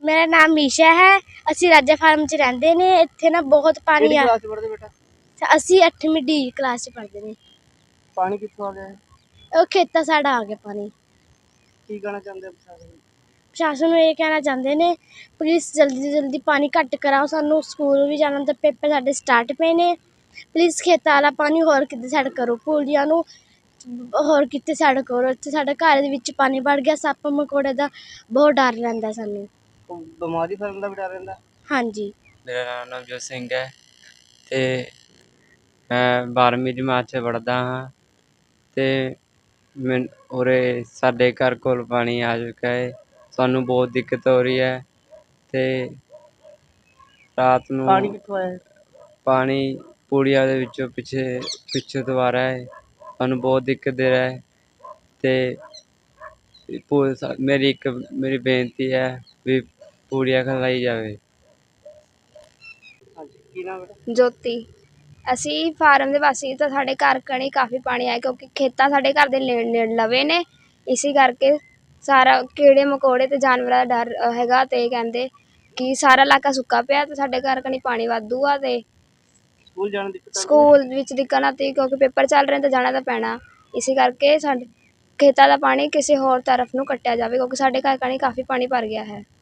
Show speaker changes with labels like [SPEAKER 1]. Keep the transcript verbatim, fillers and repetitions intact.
[SPEAKER 1] मेरा नाम मीशा है। ਅਸੀਂ ਰਾਜਾ ਫਾਰਮ 'ਚ ਰਹਿੰਦੇ ਨੇ। ਇੱਥੇ ਨਾ ਬਹੁਤ ਪਾਣੀ
[SPEAKER 2] ਕਿਹੜੀ
[SPEAKER 1] ਆ।
[SPEAKER 2] ਕਲਾਸ 'ਚ ਪੜ੍ਹਦੇ ਬੇਟਾ?
[SPEAKER 1] ਅਸੀਂ ਅੱਠਵੀਂ ਡੀ ਕਲਾਸ 'ਚ ਪੜ੍ਹਦੇ ਨੇ।
[SPEAKER 2] ਪਾਣੀ ਕਿੱਥੋਂ ਆ ਗਿਆ ਹੈ?
[SPEAKER 1] ਉਹ ਖੇਤਾਂ ਸਾਡਾ ਆ ਗਿਆ ਪਾਣੀ।
[SPEAKER 2] ਕੀ ਕਹਿਣਾ ਚਾਹੁੰਦੇ ਹੋ ਪ੍ਰਸ਼ਾਸਨ ਨੂੰ?
[SPEAKER 1] ਪ੍ਰਸ਼ਾਸਨ ਨੂੰ ਇਹ ਕਹਿਣਾ ਚਾਹੁੰਦੇ ਨੇ, ਪਲੀਜ਼ ਜਲਦੀ ਤੋਂ ਜਲਦੀ ਪਾਣੀ ਘੱਟ ਕਰਾਓ। ਸਾਨੂੰ ਸਕੂਲ ਵੀ ਜਾਣਾ ਤਾਂ ਪੇਪਰ ਸਾਡੇ ਸਟਾਰਟ ਪਏ ਨੇ। ਪਲੀਜ਼ ਖੇਤਾਂ ਵਾਲਾ ਪਾਣੀ ਹੋਰ ਕਿਤੇ ਸਾਈਡ ਕਰੋ। ਪੁਲੀਆਂ ਨੂੰ ਹੋਰ ਕਿਤੇ ਸਾਈਡ ਕਰੋ। ਇੱਥੇ ਸਾਡੇ ਘਰ ਦੇ ਵਿੱਚ ਪਾਣੀ ਵੜ ਗਿਆ। ਸੱਪ ਮਕੌੜੇ ਦਾ ਬਹੁਤ ਡਰ ਰਹਿੰਦਾ ਸਾਨੂੰ।
[SPEAKER 2] ਕੋਈ ਬਿਮਾਰੀ ਫੈਲਣ ਦਾ ਵੀ ਡਰ ਰਹਿੰਦਾ?
[SPEAKER 1] ਹਾਂਜੀ।
[SPEAKER 3] ਮੇਰਾ ਨਾਮ ਨਵਜੋਤ ਸਿੰਘ ਹੈ ਅਤੇ ਮੈਂ ਬਾਰ੍ਹਵੀਂ ਜਮਾਤ 'ਚ ਪੜ੍ਹਦਾ ਹਾਂ ਅਤੇ ਮੈਨ ਉਰੇ ਸਾਡੇ ਘਰ ਕੋਲ ਪਾਣੀ ਆ ਚੁੱਕਾ ਹੈ। ਸਾਨੂੰ ਬਹੁਤ ਦਿੱਕਤ ਹੋ ਰਹੀ ਹੈ ਅਤੇ ਰਾਤ ਨੂੰ
[SPEAKER 2] ਪਾਣੀ ਕਿੱਥੋਂ ਆਇਆ? ਪਾਣੀ
[SPEAKER 3] ਪੂੜੀਆਂ ਦੇ ਵਿੱਚੋਂ ਪਿੱਛੇ ਪਿੱਛੋਂ ਤੋਂ ਆ ਰਿਹਾ ਹੈ। ਸਾਨੂੰ ਬਹੁਤ ਦਿੱਕਤ ਦੇ ਰਿਹਾ ਹੈ ਅਤੇ ਮੇਰੀ ਇੱਕ ਮੇਰੀ ਬੇਨਤੀ ਹੈ ਵੀ ਪੂੜੀਆਂ ਖਿਲਾਈ ਜਾਵੇ।
[SPEAKER 2] ਹਾਂਜੀ, ਕੀ ਨਾਮ ਬੇਟਾ?
[SPEAKER 4] ਜੋਤੀ। ਅਸੀਂ ਫਾਰਮ ਦੇ ਵਾਸੀ ਤਾਂ ਸਾਡੇ ਘਰ ਕਣੀ ਕਾਫੀ ਪਾਣੀ ਆਇਆ, ਕਿਉਂਕਿ ਖੇਤਾਂ ਸਾਡੇ ਘਰ ਦੇ ਨੇੜੇ ਨੇੜੇ ਲਵੇ ਨੇ। ਇਸੇ ਕਰਕੇ ਸਾਰਾ ਕੀੜੇ ਮਕੌੜੇ ਅਤੇ ਜਾਨਵਰਾਂ ਦਾ ਡਰ ਹੈਗਾ। ਅਤੇ ਕਹਿੰਦੇ ਕਿ ਸਾਰਾ ਇਲਾਕਾ ਸੁੱਕਾ ਪਿਆ ਅਤੇ ਸਾਡੇ ਘਰ ਕਣੀ ਪਾਣੀ ਵਾਧੂ ਆ। ਅਤੇ
[SPEAKER 2] ਸਕੂਲ ਜਾਣ ਦੀ ਦਿੱਕਤ ਆਉਂਦੀ ਹੈ?
[SPEAKER 4] ਸਕੂਲ ਵਿੱਚ ਦਿੱਕਤ ਆਉਂਦੀ ਕਿਉਂਕਿ ਪੇਪਰ ਚੱਲ ਰਹੇ ਤਾਂ ਜਾਣਾ ਤਾਂ ਪੈਣਾ। ਇਸੇ ਕਰਕੇ ਸਾਡੇ ਖੇਤਾਂ ਦਾ ਪਾਣੀ ਕਿਸੇ ਹੋਰ ਤਰਫ ਨੂੰ ਕੱਟਿਆ ਜਾਵੇ, ਕਿਉਂਕਿ ਸਾਡੇ ਘਰ ਕਣੀ ਕਾਫੀ ਪਾਣੀ ਭਰ ਗਿਆ ਹੈ।